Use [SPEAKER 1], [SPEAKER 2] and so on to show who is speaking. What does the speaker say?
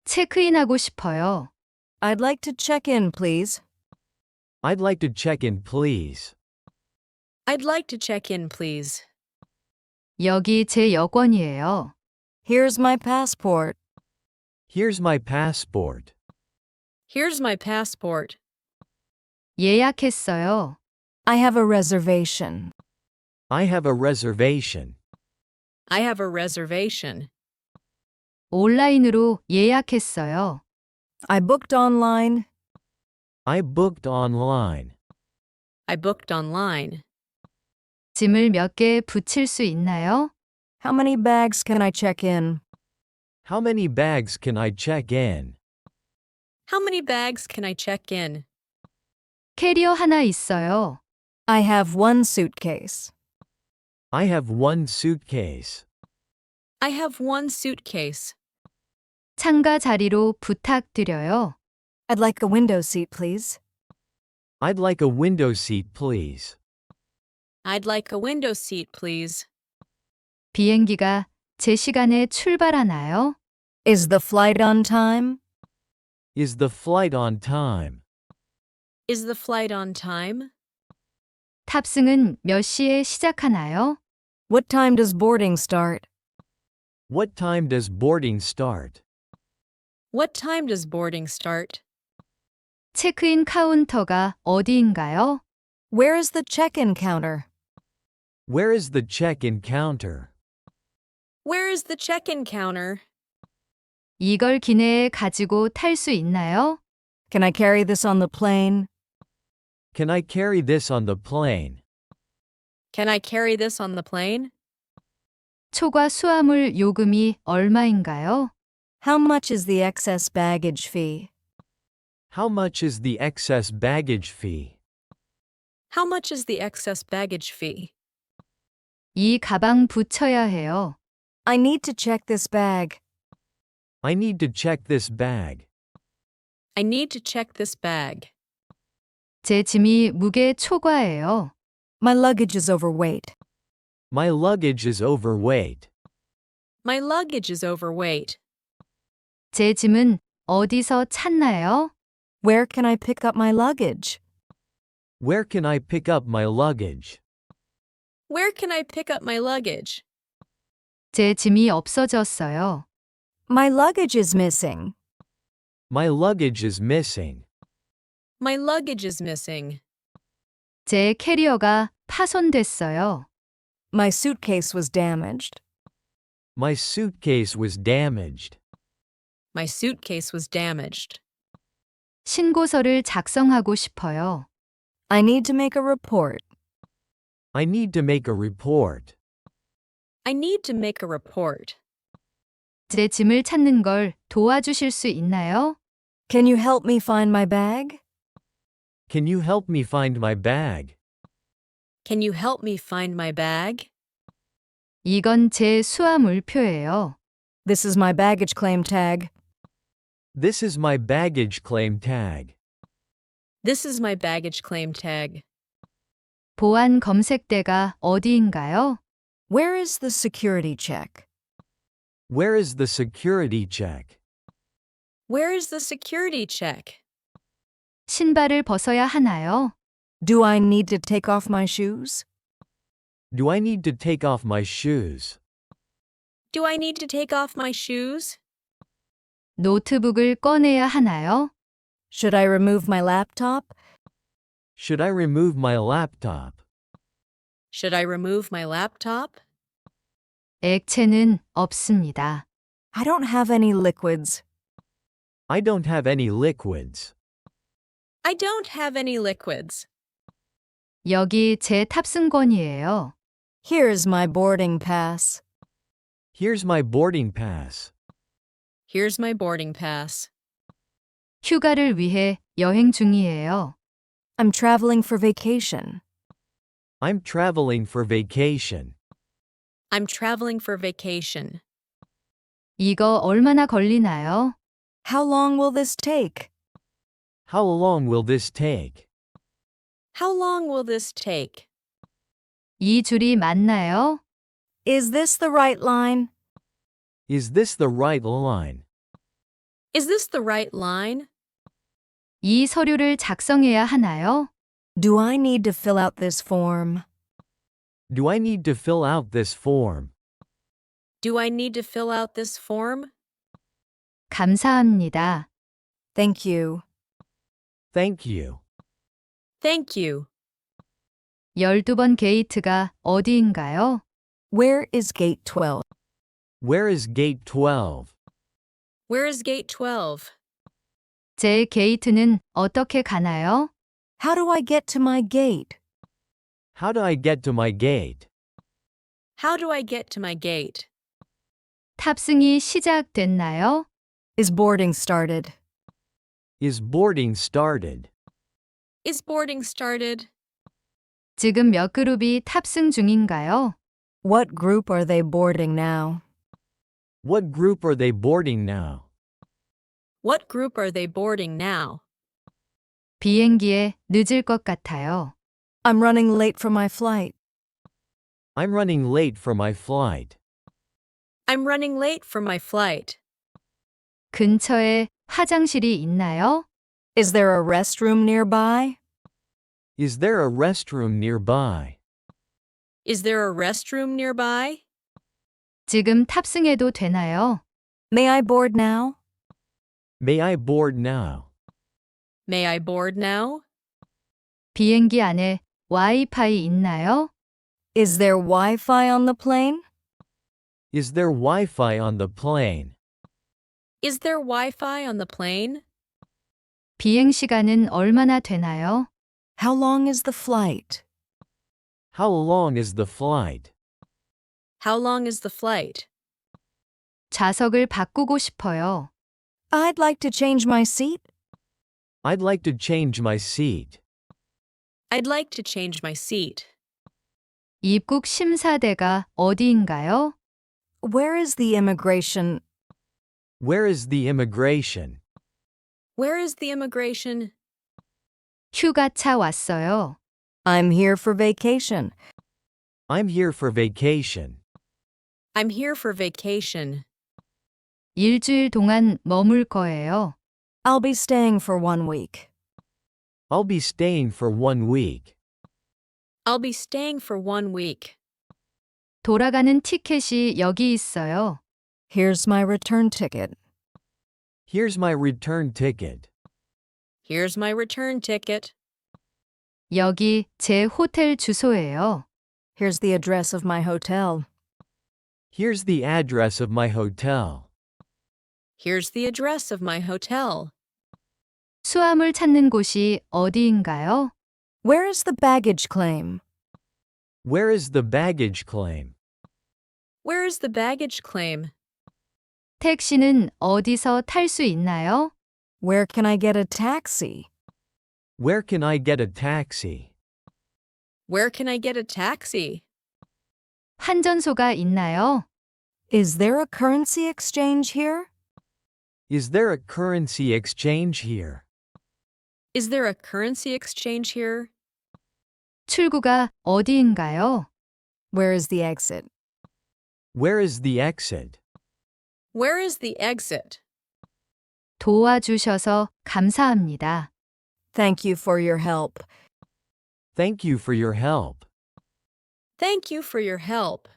[SPEAKER 1] 체크인하고 싶어요.
[SPEAKER 2] I'd like to check in, please.
[SPEAKER 3] I'd like to check in, please.
[SPEAKER 4] I'd like to check in, please.
[SPEAKER 1] 여기 제 여권이에요.
[SPEAKER 2] Here's my passport.
[SPEAKER 3] Here's my passport.
[SPEAKER 4] Here's my passport.
[SPEAKER 1] 예약했어요.
[SPEAKER 2] I have a reservation.
[SPEAKER 3] I have a reservation.
[SPEAKER 4] I have a reservation.
[SPEAKER 1] 온라인으로 예약했어요.
[SPEAKER 2] I booked online.
[SPEAKER 3] I booked online.
[SPEAKER 4] I booked online.
[SPEAKER 1] 짐을 몇 개 붙일 수 있나요?
[SPEAKER 2] How many bags can I check in?
[SPEAKER 3] How many bags can I check in?
[SPEAKER 4] How many bags can I check in?
[SPEAKER 1] 캐리어 하나 있어요.
[SPEAKER 2] I have one suitcase.
[SPEAKER 3] I have one suitcase.
[SPEAKER 4] I have one suitcase.
[SPEAKER 1] 창가 자리로 부탁드려요.
[SPEAKER 2] I'd like a window seat, please.
[SPEAKER 3] I'd like a window seat, please.
[SPEAKER 4] I'd like a window seat, please.
[SPEAKER 1] 비행기가 제 시간에 출발하나요?
[SPEAKER 2] Is the flight on time?
[SPEAKER 3] Is the flight on time?
[SPEAKER 4] Is the flight on time?
[SPEAKER 1] 탑승은 몇 시에 시작하나요?
[SPEAKER 2] What time does boarding start?
[SPEAKER 3] What time does boarding start?
[SPEAKER 4] What time does boarding start?
[SPEAKER 1] 체크인 카운터가 어디인가요?
[SPEAKER 2] Where is the check-in counter?
[SPEAKER 3] Where is the check-in counter?
[SPEAKER 4] Where is the check-in counter?
[SPEAKER 1] 이걸 기내에 가지고 탈 수 있나요?
[SPEAKER 2] Can I carry this on the plane?
[SPEAKER 3] Can I carry this on the plane?
[SPEAKER 4] Can I carry this on the plane?
[SPEAKER 1] 초과 수화물 요금이 얼마인가요?
[SPEAKER 2] How much is the excess baggage fee?
[SPEAKER 3] How much is the excess baggage fee?
[SPEAKER 4] How much is the excess baggage fee?
[SPEAKER 1] 이 가방 붙여야 해요.
[SPEAKER 2] I need to check this bag.
[SPEAKER 3] I need to check this bag.
[SPEAKER 4] I need to check this bag.
[SPEAKER 1] 제 짐이 무게 초과해요.
[SPEAKER 2] My luggage is overweight.
[SPEAKER 3] My luggage is overweight.
[SPEAKER 4] My luggage is overweight.
[SPEAKER 1] 제 짐은 어디서 찾나요?
[SPEAKER 2] Where can I pick up my luggage?
[SPEAKER 3] Where can I pick up my luggage?
[SPEAKER 4] Where can I pick up my luggage?
[SPEAKER 1] 제 짐이 없어졌어요.
[SPEAKER 2] My luggage is missing.
[SPEAKER 3] My luggage is missing.
[SPEAKER 4] My luggage is missing.
[SPEAKER 1] 제 캐리어가 파손됐어요.
[SPEAKER 2] My suitcase was damaged.
[SPEAKER 3] My suitcase was damaged.
[SPEAKER 4] My suitcase was damaged.
[SPEAKER 1] 신고서를 작성하고 싶어요.
[SPEAKER 2] I need to make a report.
[SPEAKER 3] I need to make a report.
[SPEAKER 4] I need to make a report.
[SPEAKER 1] 제 짐을 찾는 걸 도와주실 수 있나요?
[SPEAKER 2] Can you help me find my bag?
[SPEAKER 3] Can you help me find my bag?
[SPEAKER 4] Can you help me find my bag?
[SPEAKER 1] 이건 제 수화물표예요.
[SPEAKER 2] This is my baggage claim tag.
[SPEAKER 3] This is my baggage claim tag.
[SPEAKER 4] This is my baggage claim tag.
[SPEAKER 1] 보안 검색대가 어디인가요?
[SPEAKER 2] Where is the security check?
[SPEAKER 3] Where is the security check?
[SPEAKER 4] Where is the security check?
[SPEAKER 1] 신발을 벗어야 하나요?
[SPEAKER 2] Do I need to take off my shoes?
[SPEAKER 3] Do I need to take off my shoes?
[SPEAKER 4] Do I need to take off my shoes?
[SPEAKER 1] 노트북을 꺼내야 하나요?
[SPEAKER 2] Should I remove my laptop?
[SPEAKER 3] Should I remove my laptop?
[SPEAKER 4] Should I remove my laptop?
[SPEAKER 1] 액체는 없습니다.
[SPEAKER 2] I don't have any liquids.
[SPEAKER 3] I don't have any liquids.
[SPEAKER 4] I don't have any liquids.
[SPEAKER 1] 여기 제 탑승권이에요.
[SPEAKER 2] Here's my boarding pass.
[SPEAKER 3] Here's my boarding pass.
[SPEAKER 4] Here's my boarding pass.
[SPEAKER 1] 휴가를 위해 여행 중이에요.
[SPEAKER 2] I'm traveling for vacation.
[SPEAKER 3] I'm traveling for vacation.
[SPEAKER 4] I'm traveling for vacation.
[SPEAKER 1] 이거 얼마나 걸리나요?
[SPEAKER 2] How long will this take?
[SPEAKER 3] How long will this take?
[SPEAKER 4] How long will this take?
[SPEAKER 1] 이 줄이 맞나요?
[SPEAKER 2] Is this the right line?
[SPEAKER 3] Is this the right line?
[SPEAKER 4] Is this the right line?
[SPEAKER 1] 이 서류를 작성해야 하나요?
[SPEAKER 2] Do I need to fill out this form?
[SPEAKER 3] Do I need to fill out this form?
[SPEAKER 4] Do I need to fill out this form?
[SPEAKER 1] 감사합니다.
[SPEAKER 2] Thank you.
[SPEAKER 3] Thank you.
[SPEAKER 4] Thank you.
[SPEAKER 1] 12번 게이트가 어디인가요?
[SPEAKER 2] Where is gate 12?
[SPEAKER 3] Where is gate 12?
[SPEAKER 4] Where is gate 12?
[SPEAKER 1] 제 게이트는 어떻게 가나요?
[SPEAKER 2] How do I get to my gate?
[SPEAKER 3] How do I get to my gate?
[SPEAKER 4] How do I get to my gate?
[SPEAKER 1] 탑승이 시작됐나요?
[SPEAKER 2] Is boarding started?
[SPEAKER 3] Is boarding started?
[SPEAKER 4] Is boarding started?
[SPEAKER 1] 지금 몇 그룹이 탑승 중인가요?
[SPEAKER 2] What group are they boarding now?
[SPEAKER 3] What group are they boarding now?
[SPEAKER 4] What group are they boarding now?
[SPEAKER 1] 비행기에 늦을 것 같아요.
[SPEAKER 2] I'm running late for my flight.
[SPEAKER 3] I'm running late for my flight.
[SPEAKER 4] I'm running late for my flight.
[SPEAKER 1] 근처에 화장실이 있나요?
[SPEAKER 2] Is there a restroom nearby?
[SPEAKER 3] Is there a restroom nearby?
[SPEAKER 4] Is there a restroom nearby?
[SPEAKER 1] 지금 탑승해도 되나요?
[SPEAKER 2] May I board now?
[SPEAKER 3] May I board now?
[SPEAKER 4] May I board now?
[SPEAKER 1] 비행기 안에 와이파이 있나요?
[SPEAKER 2] Is there Wi-Fi on the plane?
[SPEAKER 3] Is there Wi-Fi on the plane?
[SPEAKER 4] Is there Wi-Fi on the plane?
[SPEAKER 1] 비행 시간은 얼마나 되나요?
[SPEAKER 2] How long is the flight?
[SPEAKER 3] How long is the flight?
[SPEAKER 4] How long is the flight?
[SPEAKER 1] 좌석을 바꾸고 싶어요.
[SPEAKER 2] I'd like to change my seat.
[SPEAKER 3] I'd like to change my seat.
[SPEAKER 4] I'd like to change my seat.
[SPEAKER 1] 입국 심사대가 어디인가요?
[SPEAKER 2] Where is the immigration?
[SPEAKER 3] Where is the immigration?
[SPEAKER 4] Where is the immigration?
[SPEAKER 1] 휴가차 왔어요.
[SPEAKER 2] I'm here for vacation.
[SPEAKER 3] I'm here for vacation.
[SPEAKER 4] I'm here for vacation.
[SPEAKER 1] 일주일 동안 머물 거예요.
[SPEAKER 2] I'll be staying for 1 week.
[SPEAKER 3] I'll be staying for 1 week.
[SPEAKER 4] I'll be staying for 1 week.
[SPEAKER 1] 돌아가는 티켓이 여기 있어요.
[SPEAKER 2] Here's my return ticket.
[SPEAKER 3] Here's my return ticket.
[SPEAKER 4] Here's my return ticket.
[SPEAKER 1] 여기 제 호텔 주소예요.
[SPEAKER 2] Here's the address of my hotel.
[SPEAKER 3] Here's the address of my hotel.
[SPEAKER 4] Here's the address of my hotel.
[SPEAKER 1] 수화물 찾는 곳이 어디인가요?
[SPEAKER 2] Where is the baggage claim?
[SPEAKER 3] Where is the baggage claim?
[SPEAKER 4] Where is the baggage claim?
[SPEAKER 1] 택시는 어디서 탈 수 있나요?
[SPEAKER 2] Where can I get a taxi?
[SPEAKER 3] Where can I get a taxi?
[SPEAKER 4] Where can I get a taxi?
[SPEAKER 1] 환전소가 있나요?
[SPEAKER 2] Is there a currency exchange here?
[SPEAKER 3] Is there a currency exchange here?
[SPEAKER 4] Is there a currency exchange here?
[SPEAKER 1] 출구가 어디인가요?
[SPEAKER 2] Where is the exit?
[SPEAKER 3] Where is the exit?
[SPEAKER 4] Where is the exit?
[SPEAKER 1] 도와주셔서 감사합니다.
[SPEAKER 2] Thank you for your help.
[SPEAKER 3] Thank you for your help.
[SPEAKER 4] Thank you for your help.